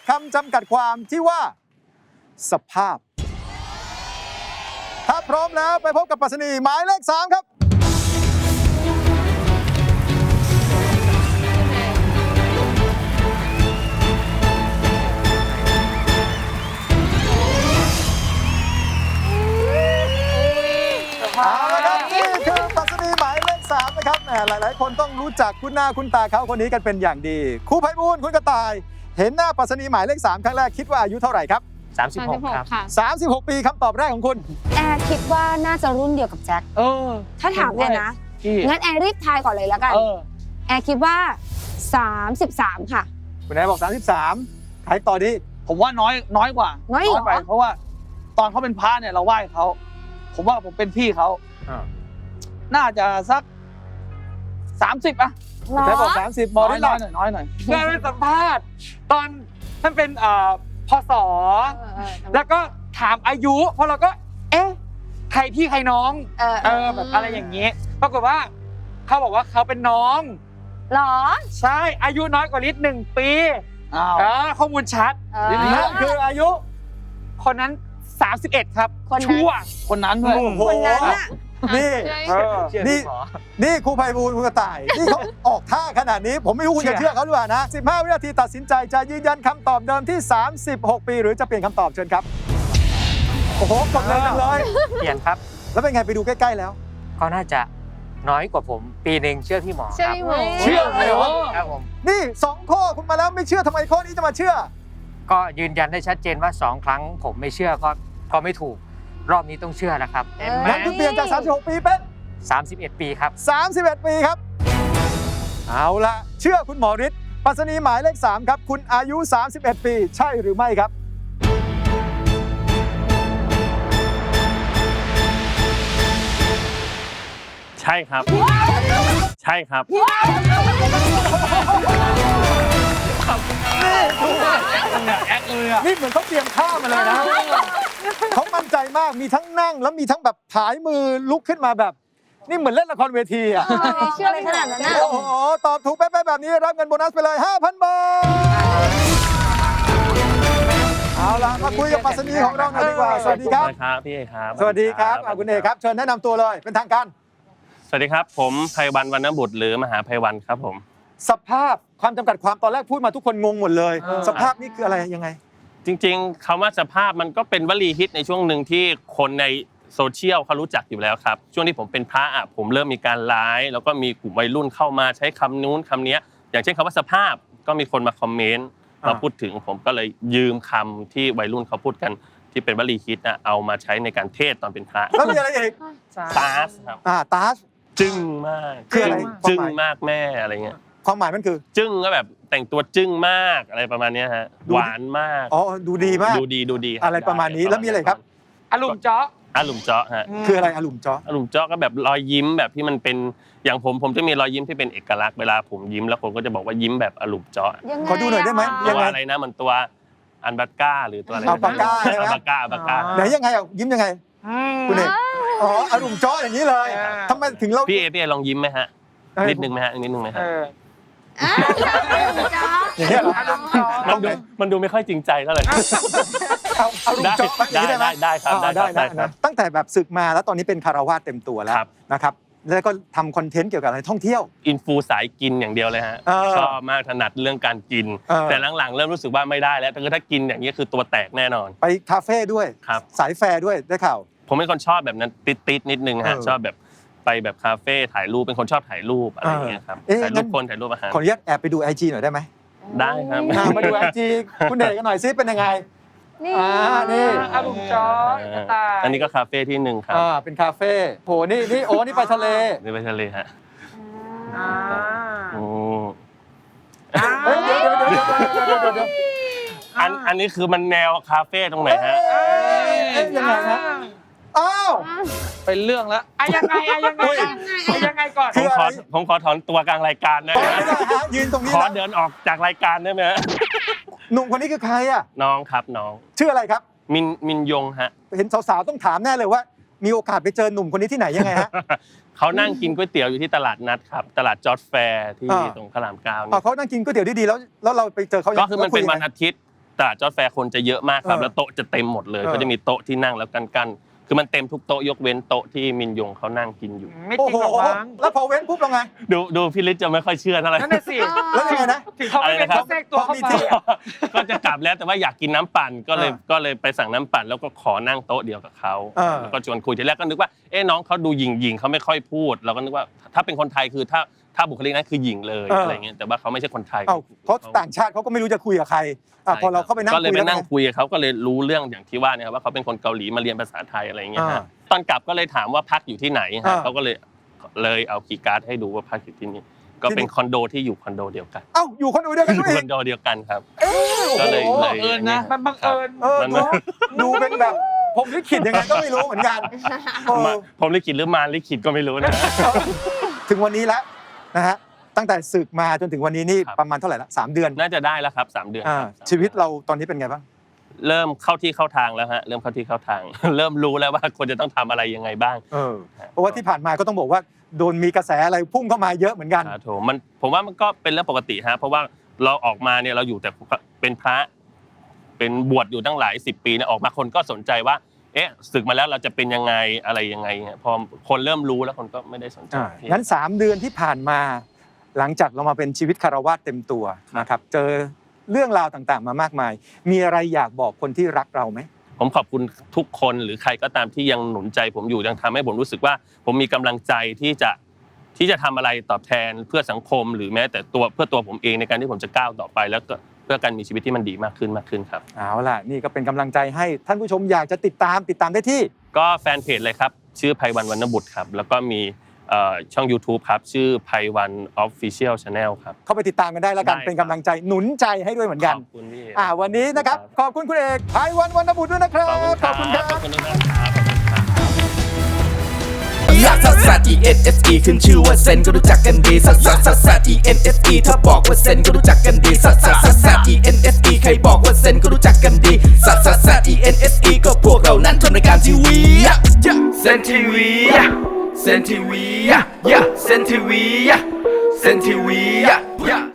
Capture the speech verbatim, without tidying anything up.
คำจำกัดความที่ว่าสภาพถ้าพร้อมแล้วไปพบกับปรัชนีหมายเลขสามครับเอาละครับนี่คือปรัชนีหมายเลขสามนะครับแหมหลายๆคนต้องรู้จักคุ้นหน้าคุ้นตาเขาคนนี้กันเป็นอย่างดีครูไพบูลย์คุณกระต่ายเห็นหน้าปรัชนีหมายเลขสามครั้งแรกคิดว่าอายุเท่าไหร่ครับสามสิบหกครับสามสิบหกปีคำตอบแรกของคุณแอร์คิดว่าน่าจะรุ่นเดียวกับแจ็คเออถ้าถามเลยนะงั้นแอร์รีบทายก่อนเลยแล้วกันแอร์คิดว่าสามสิบสามค่ะคุณแอร์บอกสามสิบสามใครต่อดีผมว่าน้อยน้อยกว่าน้อยไปเพราะว่าตอนเขาเป็นพระเนี่ยเราไหว้เขาผมว่าผมเป็นพี่เขาน่าจะสักสามสิบอะคุณแอร์บอกสามสิบบอกได้หน่อยน้อยหน่อยเคยไปสัมภาษณ์ตอนท่านเป็นเอ่อพศแล้วก็ถามอายุเพราะเราก็เอ๊ะใครพี่ใครน้องเออเออแบบอะไรอย่างนี้ปรากฏว่าเขาบอกว่าเขาเป็นน้องหรอใช่อายุน้อยกว่าลิศหนึ่งปีอ้าวข้อมูลชัดนั่นคืออายุคนนั้นสามสิบเอ็ดครับชั่วคนนั้นด้วยคนนั้นน่ะนี่นี่นี่ครูไพบูลย์คุณกระต่ายนี่เขาออกท่าขนาดนี้ผมไม่รู้คุณจะเชื่อเขาหรือเปล่านะสิบห้าวินาทีตัดสินใจจะยืนยันคำตอบเดิมที่สามสิบหกปีหรือจะเปลี่ยนคำตอบเชิญครับโอ้โหกดเลยจังเลยเปลี่ยนครับแล้วเป็นไงไปดูใกล้ๆแล้วก็น่าจะน้อยกว่าผมปีหนึ่งเชื่อพี่หมอครับเชื่อเลยเหรอครับผมนี่สองข้อคุณมาแล้วไม่เชื่อทำไมข้อนี้จะมาเชื่อก็ยืนยันได้ชัดเจนว่าสองครั้งผมไม่เชื่อก็ก็ไม่ถูกรอบนี้ต้องเชื่อนะครับงั้นคุณเปลี่ยนจากสามสิบหกปีเป็นสามสิบเอ็ดปีครับสามสิบเอ็ดปีครับเอาละเชื่อคุณหมอฤทธิ์ปรัชนีหมายเลขสามครับคุณอายุสามสิบเอ็ดปีใช่หรือไม่ครับใช่ครับใช่ครับนี่แอคเลยอ่ะนี่เหมือนเขาเตรียมข้าวมาเลยนะเขามั่นใจมากมีทั้งนั่งแล้วมีทั้งแบบผายมือลุกขึ้นมาแบบนี่เหมือนเล่นละครเวทีอ่ะเชื่อเลยขนาดนั้นนะโอ้โหตอบถูกเป๊ะๆแบบนี้รับเงินโบนัสไปเลย ห้าพัน บาทเอาล่ะมาคุยกับปรัชนีของเราหน่อยดีกว่าสวัสดีครับครับพี่เอครับสวัสดีครับคุณเอกครับเชิญแนะนำตัวเลยเป็นทางการสวัสดีครับผมไพวันวรรณบุตรหรือมหาไพวันครับผมสภาพความจำกัดความตอนแรกพูดมาทุกคนงงหมดเลยสภาพนี่คืออะไรยังไงจริงๆคำว่าสภาพมันก็เป็นวลีฮิตในช่วงหนึ่งที่คนในโซเชียลเขารู้จักอยู่แล้วครับช่วงที่ผมเป็นพระอ่ะผมเริ่มมีการไลฟ์แล้วก็มีกลุ่มวัยรุ่นเข้ามาใช้คำนู้นคำนี้อย่างเช่นคำว่าสภาพก็มีคนมาคอมเมนต์มาพูดถึงผมก็เลยยืมคำที่วัยรุ่นเขาพูดกันที่เป็นวลีฮิตนะเอามาใช้ในการเทศตอนเป็นพระแล้วมีอะไรอีกตาสครับอ่าตาสจึ้งมากคืออะไรจึ้งมากแม่อะไรเงี้ยความหมายมันคือจึ้งก็แบบแต่งตัวจึ้งมากอะไรประมาณนี้ฮะหวานมากอ๋อดูดีมากดูดีดูดีอะไรประมาณนี้แล้วมีอะไรครับอารมณ์เจาะอารมณ์เจาะฮะคืออะไรอารมณ์เจาะอารมณ์เจาะก็แบบรอยยิ้มแบบที่มันเป็นอย่างผมผมจะมีรอยยิ้มที่เป็นเอกลักษณ์เวลาผมยิ้มแล้วผมก็จะบอกว่ายิ้มแบบอารมณ์เจาะขอดูหน่อยได้ไหมตัวอะไรนะมันตัวอันบัตก้าหรือตัวอะไรอัลปาก้าใช่ไหมอัลปาก้าอัลปาก้าไหนยังไงอ่ะยิ้มยังไงคุณเอกอ๋ออารมณ์เจาะอย่างนี้เลยทำไมถึงเราพี่เอพี่เอลองยิ้มไหมฮะนิดนึงไหมฮะนิดนึงไหมฮะอย่างนี้เหรอมันดูมันดูไม่ค่อยจริงใจเท่าไหร่เอาอารมณ์เจาะได้ได้ได้ครับได้ได้นะตั้งแต่แบบศึกมาแล้วตอนนี้เป็นคารวาสเต็มตัวแล้วนะครับแล้วก็ทำคอนเทนต์เกี่ยวกับอะไรท่องเที่ยวอินฟูสายกินอย่างเดียวเลยฮะชอบมากถนัดเรื่องการกินแต่หลังๆเริ่มรู้สึกว่าไม่ได้แล้วถ้ากินอย่างนี้คือตัวแตกแน่นอนไปคาเฟ่ด้วยสายแฟร์ด้วยได้ข่าวผมเป็นคนชอบแบบนั้นติดๆนิดนึงฮะชอบแบบไปแบบคาเฟ่ถ่ายรูปเป็นคนชอบถ่ายรูปอะไรอย่างเงี้ยครับถ่ายรูปคนถ่ายรูปอาหารขออนุญาตแอบไปดู ไอ จี หน่อยได้ไหมได้ครับมาดู ไอ จี คุณเอกกันหน่อยซิเป็นยังไงนี่นี่อารมณ์เจาะอันนี้ก็คาเฟ่ที่หนึ่งครับอ่าเป็นคาเฟ่โหนี่นี่โอ้นี่ไปทะเลนี่ไปทะเลฮะอ่าโอ้เดี๋ยวเดี๋ยวเดี๋ยวเดี๋ยวเดี๋ยวอันอันนี้คือมันแนวคาเฟ่ตรงไหนฮะยังไงฮะอ้าวเป็นเรื่องแล้วอะยังไงอะยังไงอะยังไงก่อนผมขอผมขอถอนตัวกลางรายการได้ไหมยืนตรงนี้ขอเดินออกจากรายการได้ไหมหนุ่มคนนี้คือใครอ่ะน้องครับน้องชื่ออะไรครับมินมินยงฮะเห็นสาวๆต้องถามแน่เลยว่ามีโอกาสไปเจอหนุ่มคนนี้ที่ไหนยังไงฮะเขานั่งกินก๋วยเตี๋ยวอยู่ที่ตลาดนัดครับตลาดจอร์จแฟร์ที่ตรงพระรามเก้าอ๋อเขานั่งกินก๋วยเตี๋ยวดีๆแล้วแล้วเราไปเจอเขาก็คือมันเป็นวันอาทิตย์ตลาดจอร์จแฟร์คนจะเยอะมากครับเออแล้วโต๊ะจะเต็มหมดเลยเออเขาจะมีโต๊ะที่นั่งแล้วกันๆคือมันเต็มทุกโต๊ะยกเว้นโต๊ะที่มินยงเขานั่งกินอยู่ไม่จโอ้ริงโหหรอกมั้งแล้วพอเว้นปุ๊บเราไงดูดูพี่ฤทธิ์จะไม่ค่อยเชื่อเท่าไหร่นั่นน่ะสิแล้วยังไงนะถึงเขาไม่เป็นอะไรนะครับเขาแทรกตัวเข้าพอมีมาที่ก็จะกลับแล้วแต่ว่าอยากกินน้ำปั่นก็เลยเออก็เลยไปสั่งน้ำปั่นแล้วก็ขอนั่งโต๊ะเดียวกับเขาเออแล้วก็ชวนคุยทีแรกก็นึกว่าเอ๊ะน้องเขาดูหยิงหยิงเขาไม่ค่อยพูด เราก็นึกว่าถ้าเป็นคนไทยคือถ้าถ้าบุคลิกนั้นคือหยิงเลยอะไรเงี้ยแต่ว่าเขาไม่ใช่คนไทยเอ้าเพราะต่างชาติเขาก็ไม่รู้จะคุยกับใครอ่ะพอเราเข้าไปนั่งก็เลยคุยไปแล้วนั่งไงคุยกับเขาก็เลยรู้เรื่องอย่างที่ว่าเนี่ยครับว่าเขาเป็นคนเกาหลีมาเรียนภาษาไทยอะไรอย่างเงี้ยอ่าฮะตอนกลับก็เลยถามว่าพักอยู่ที่ไหนอ่าฮะเขาก็เลยเลยเอาคีย์การ์ดให้ดูว่าพักอยู่ที่นี่ก็เป็นคอนโดที่อยู่คอนโดเดียวกันเอ้าอยู่คนเดียวกันอยู่ด้วยคอนโดเดียวกันครับเอ้ยก็เลยโอ้โหเลยบังเอิญนะมันบังเอิญเออมันดูดูเป็นแบบผมลิขิตยังไงก็ไม่รู้เหมือนกันเออมาผมลิขิตหรือมารลิขิตก็ไม่รู้นะถึงวันนี้แล้วนะฮะตั้งแต่ศึกมาจนถึงวันนี้นี่ครับประมาณเท่าไหร่ละสามเดือนน่าจะได้แล้วครับสามเดือนอ่าครับชีวิตเราตอนนี้เป็นไงบ้างเริ่มเข้าที่เข้าทางแล้วฮะเริ่มเข้าที่เข้าทาง เริ่มรู้แล้วว่าควรจะต้องทำอะไรยังไงบ้างเออเพราะว่าที่ผ่านมาก็ต้องบอกว่าโดนมีกระแสอะไรพุ่งเข้ามาเยอะเหมือนกันครับผมมันผมว่ามันก็เป็นเรื่องปกติฮะเพราะว่าเราออกมาเนี่ยเราอยู่แต่เป็นพระ เป็นบวชอยู่ตั้งหลายสิบปีเนี่ยออกมาคนก็สนใจว่า เอ๊ะศึกมาแล้วเราจะเป็นยังไงอะไรยังไงฮะพอคนเริ่มรู้แล้วคนก็ไม่ได้สนใจอ่างั้นสามเดือนที่ผ่านมา หลังจากเรามาเป็นชีวิตคารวาสเต็มตัวนะครับเจอเรื่องราวต่างๆ มามากมาย มีอะไรอยากบอกคนที่รักเราไหมผมขอบคุณทุกคนหรือใครก็ตามที่ยังหนุนใจผมอยู่ยังทำให้ผมรู้สึกว่า ผมมีกำลังใจที่จะที่จะทำอะไรตอบแทนเพื่อสังคม หรือแม้แต่ตัวเพื่อตัวผมเองในการที่ผมจะก้าวต่อไปแล้วก็เพื่อการมีชีวิตที่มันดีมากขึ้นมากขึ้นครับเอาล่ะนี่ก็เป็นกำลังใจให้ท่านผู้ชมอยากจะติดตามติดตามได้ที่ก็แฟนเพจเลยครับชื่อไพวันวรรณบุตรครับแล้วก็มีเอ่อช่อง YouTube ครับชื่อไพวัน Official Channel ครับเข้าไปติดตามกันได้แล้วกันได้ครับเป็นกำลังใจหนุนใจให้ด้วยเหมือนกันขอบคุณพี่อ่าวันนี้นะครับขอบคุณคุณเอกไพวันวรรณบุตรด้วยนะครับขอบคุณครับขอบคุณทุกท่านครับขอบคุณครับลักซัสซัส E N S E ขึ้นชื่อว่าเซนก็รู้จักกันดีซัสซัสซัสซัส E N S E ถ้าบอกว่าเซนก็รู้จักกันดีซัสซัสซัสซัส E N S E ใครบอกว่าเซนก็รู้จักกันดีซัสซัสซัส E N S E ก็พวกเรานั้นทำรายการทีวีเซนทีวีเซนทีวีเซนทีวีเซนทีวี